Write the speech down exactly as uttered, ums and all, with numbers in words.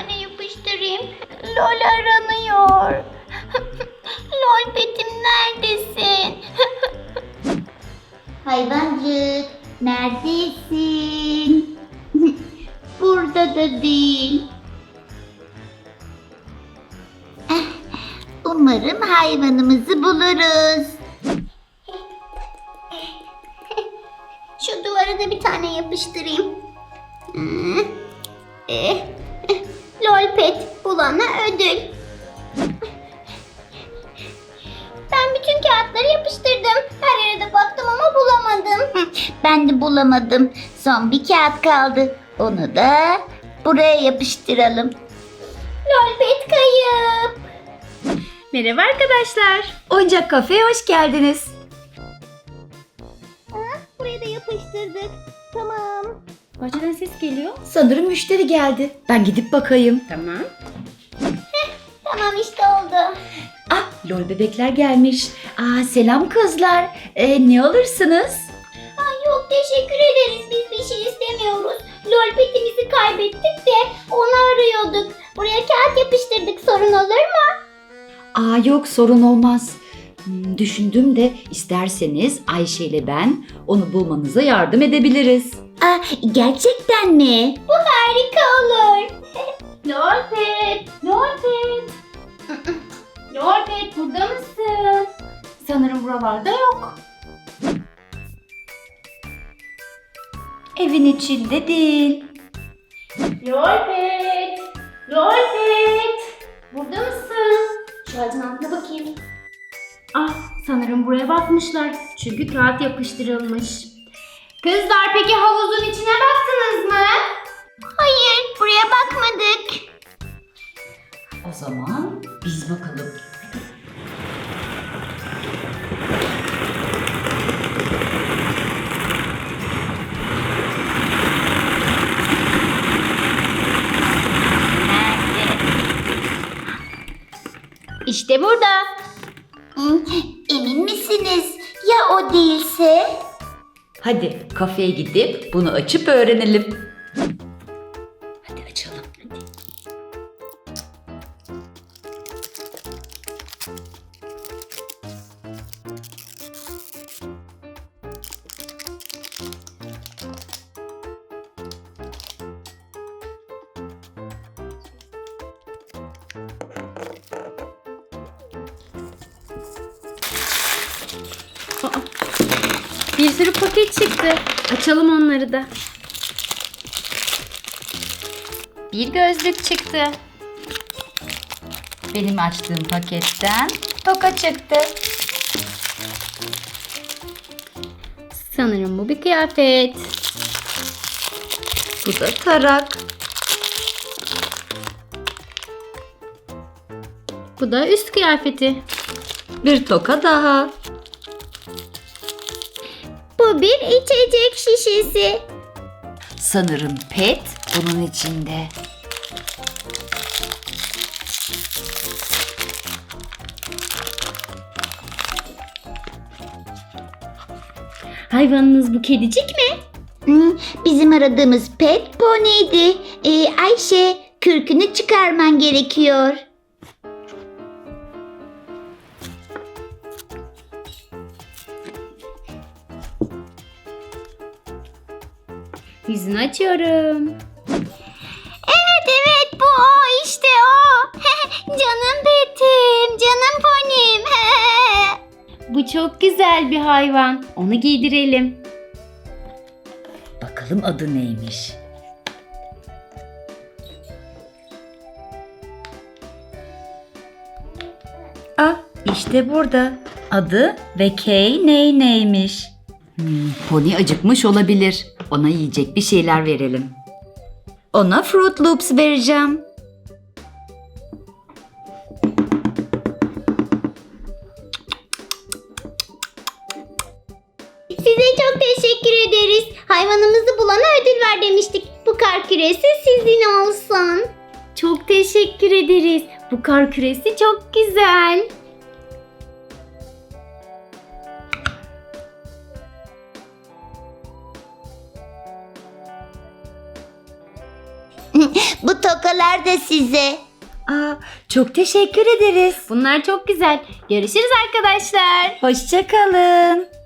tane yapıştırayım. Lol aranıyor. Lol Pet'im neredesin? Hayvancık neredesin? Burada da değil. Eh, Umarım hayvanımızı buluruz. Şu duvara da bir tane yapıştırayım. Hmm. Eh, eh. Lol Pet bulana ödül. Ben bütün kağıtları yapıştırdım. Her yere de baktım ama bulamadım. Ben de bulamadım. Son bir kağıt kaldı. Onu da buraya yapıştıralım. Lol Pet kayıp. Merhaba arkadaşlar. Oyuncak kafeye hoş geldiniz. Ha, buraya da yapıştırdık. Tamam. Bahçeden ses geliyor. Sanırım müşteri geldi. Ben gidip bakayım. Tamam. Tamam işte oldu. Ah, lol bebekler gelmiş. Aa, selam kızlar. Ee, ne alırsınız? Ay yok teşekkür ederiz. Biz bir şey istemiyoruz. Lol Pet'imizi kaybettik de onu arıyorduk. Buraya kağıt yapıştırdık. Sorun olur mu? Aa, yok sorun olmaz. Hmm, düşündüm de isterseniz Ayşe ile ben onu bulmanıza yardım edebiliriz. Aa, gerçekten mi? Bu harika olur. Lol Pet, Lol Pet. Lol Pet burada mısın? Sanırım buralarda yok. Evin içinde değil. Lol Pet, Lol Pet. Burada mısın? Şu ağacın altına bakayım. Ah, sanırım buraya bakmışlar. Çünkü kağıt yapıştırılmış. Kızlar peki havuzun içine baktınız mı? Hayır, buraya bakmadık. O zaman biz bakalım. İşte burada. Hmm, Emin misiniz? Ya o değilse? Hadi kafeye gidip bunu açıp öğrenelim. Hadi açalım. Hadi. Bir sürü paket çıktı. Açalım onları da. Bir gözlük çıktı. Benim açtığım paketten toka çıktı. Sanırım bu bir kıyafet. Bu da tarak. Bu da üst kıyafeti. Bir toka daha. Bu bir içecek şişesi. Sanırım pet bunun içinde. Hayvanınız bu kedicik mi? Hmm, bizim aradığımız pet poniydi. Ee, Ayşe, kürkünü çıkarman gerekiyor. Yüzünü açıyorum. Evet evet bu o işte o. Canım petim, canım ponim. Bu çok güzel bir hayvan. Onu giydirelim. Bakalım adı neymiş? Ah, işte burada. Adı ve Kay ney neymiş? Hmm, pony acıkmış olabilir. Ona yiyecek bir şeyler verelim. Ona Fruit Loops vereceğim. Size çok teşekkür ederiz. Hayvanımızı bulana ödül ver demiştik. Bu kar küresi sizin olsun. Çok teşekkür ederiz. Bu kar küresi çok güzel. Bu tokalar da size. Aa, çok teşekkür ederiz. Bunlar çok güzel. Görüşürüz arkadaşlar. Hoşça kalın.